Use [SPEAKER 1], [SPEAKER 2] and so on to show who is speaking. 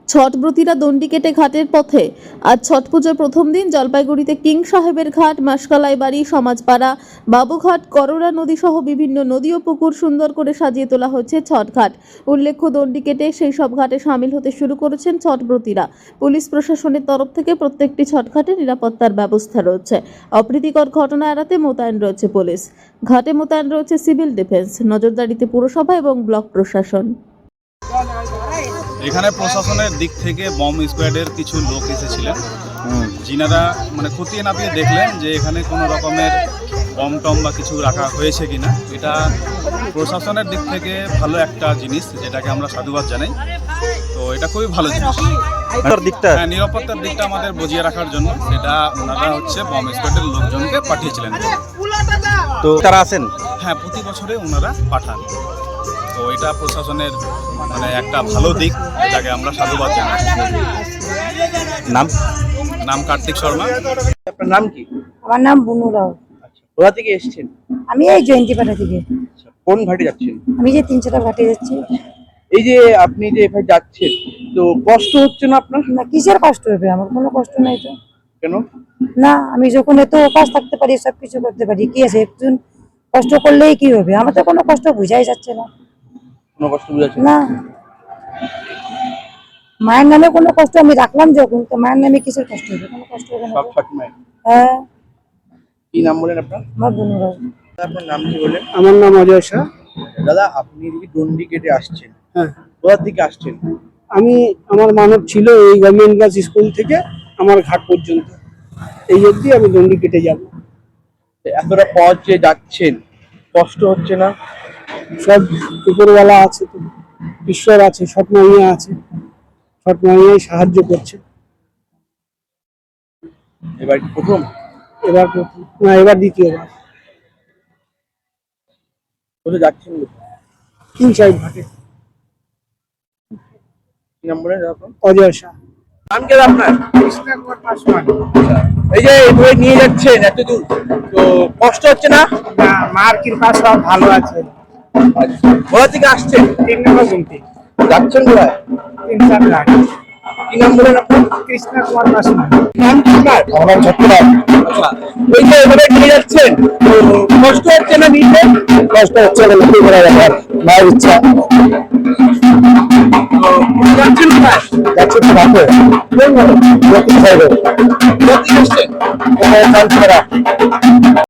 [SPEAKER 1] ছটব্রতীরা দণ্ডি কেটে ঘাটের পথে। আজ ছট পুজোর প্রথম দিন জলপাইগুড়িতে কিং সাহেবের ঘাট, মাসকালাই বাড়ি, সমাজপাড়া, বাবুঘাট, করোড়া নদী সহ বিভিন্ন নদী ও পুকুর সুন্দর করে সাজিয়ে তোলা হচ্ছে ছট ঘাট। উল্লেখ্য, দণ্ডি কেটে সেই সব ঘাটে সামিল হতে শুরু করেছেন ছটব্রতীরা। পুলিশ প্রশাসনের তরফ থেকে প্রত্যেকটি ছট ঘাটে নিরাপত্তার ব্যবস্থা রয়েছে। অপ্রীতিকর ঘটনা এড়াতে মোতায়েন রয়েছে পুলিশ। ঘাটে মোতায়েন রয়েছে সিভিল ডিফেন্স, নজরদারিতে পুরসভা এবং ব্লক প্রশাসন।
[SPEAKER 2] এখানে প্রশাসনের দিক থেকে বম্ব স্কোয়াডের কিছু লোক এসেছিলেন, যিনারা খতিয়ে নাপিয়ে দেখলেন যে এখানে কোনো রকমের বম টম বা কিছু রাখা হয়েছে কিনা। এটা প্রশাসনের দিক থেকে ভালো একটা জিনিস, যেটাকে আমরা সাধুবাদ জানাই। তো এটা খুবই ভালো জিনিস। হ্যাঁ, নিরাপত্তার দিকটা আমাদের বজিয়ে রাখার জন্য সেটা ওনারা বম্ব স্কোয়াডের লোকজনকে পাঠিয়েছিলেন।
[SPEAKER 3] তো তারা আছেন?
[SPEAKER 2] হ্যাঁ, প্রতি বছরে ওনারা পাঠান। তো এটা প্রশাসনের একটা ভালো দিক, যেটাকে আমরা সাধুবাদ জানাই। নাম কার্তিক শর্মা।
[SPEAKER 3] আপনার নাম কি?
[SPEAKER 4] আমার নাম বুনু রাও।
[SPEAKER 3] কোথা থেকে এসেছেন?
[SPEAKER 4] আমি এই জয়ন্তীপাড়া থেকে।
[SPEAKER 3] কোন ঘাটে যাচ্ছেন?
[SPEAKER 4] আমি যে 3-4টা ঘাটে যাচ্ছি।
[SPEAKER 3] এই যে আপনি যে এখানে যাচ্ছেন, তো কষ্ট হচ্ছে না আপনার?
[SPEAKER 4] না, কিসের কষ্ট হবে? আমার কোনো কষ্ট নাই তো।
[SPEAKER 3] কেন?
[SPEAKER 4] না, আমি যখন এত উপাস থাকতে পারি, সবকিছু করতে পারি, কি আছে? একজন কষ্ট করলেই কি হবে? আমার তো কোনো কষ্ট বোঝাই যাচ্ছে না।
[SPEAKER 3] কোনো কষ্ট বুঝাচ্ছে
[SPEAKER 4] না, মায়ের নামে কোনো কষ্ট আমি রাখলাম যখন, তো মায়ের নামে কিসের কষ্ট হবে? কোনো কষ্ট হবে না।
[SPEAKER 3] সব ছট মায়ের।
[SPEAKER 4] হ্যাঁ।
[SPEAKER 3] কি নাম বলেন আপনার?
[SPEAKER 4] আমার বুনু রাও।
[SPEAKER 3] আপনার নাম কি বলেন?
[SPEAKER 5] আমার নাম অজয় শাহ।
[SPEAKER 3] দাদা, আপনি যদি দণ্ডি কেটে আসছেন,
[SPEAKER 5] হ্যাঁ,
[SPEAKER 3] কোথা থেকে আসছেন?
[SPEAKER 5] আমার মানব ছিল এই গভর্নমেন্ট গার্লস স্কুল থেকে আমার ঘাট পর্যন্ত, এই অবধি আমি দণ্ডি কেটে যাব।
[SPEAKER 3] এতটা পথ যে যাচ্ছেন, কষ্ট হচ্ছে না?
[SPEAKER 5] সব উপরওয়ালা আছে, তো ঈশ্বর আছে, সৎমাইয়া আছে, সৎমাইয়াই সাহায্য করছে।
[SPEAKER 3] এবার কি প্রথম?
[SPEAKER 5] এবার প্রথম না, এবার দ্বিতীয়বার।
[SPEAKER 3] কোথায় যাচ্ছেন?
[SPEAKER 5] কিং সাহেব ঘাটে।
[SPEAKER 3] কি নাম বলেন আপনার?
[SPEAKER 5] অজয় শাহ।
[SPEAKER 3] নাম কি আপনার? এই যে এভাবে নিয়ে যাচ্ছেন এত দূর, তো কষ্ট হচ্ছে না?
[SPEAKER 5] মার কৃপা সব ভালো আছে।
[SPEAKER 3] কোথা থেকে আসছেন?
[SPEAKER 5] 3 নম্বর গুমটি,
[SPEAKER 3] যাচ্ছেন কোথায়?
[SPEAKER 5] 3-4 ঘাট।
[SPEAKER 3] কি নাম বলেন আপনার?
[SPEAKER 5] কৃষ্ণ কুমার পাসওয়ান।
[SPEAKER 3] নাম কি আপনার?
[SPEAKER 5] আমার নাম ছত্ররাজ।
[SPEAKER 3] আচ্ছা, এই যে এভাবে নিয়ে যাচ্ছেন, তো কষ্ট হচ্ছে না নিতে?
[SPEAKER 5] কষ্ট হচ্ছে না, কি করা যাবে, মায়ের ইচ্ছা।
[SPEAKER 3] তো যাচ্ছেন কোথায়?
[SPEAKER 5] যাচ্ছে তো ঘাটে।
[SPEAKER 3] কোন ঘাটে?
[SPEAKER 5] কোথা থেকে
[SPEAKER 3] কোথা থেকে আসছেন?
[SPEAKER 5] আসছেন?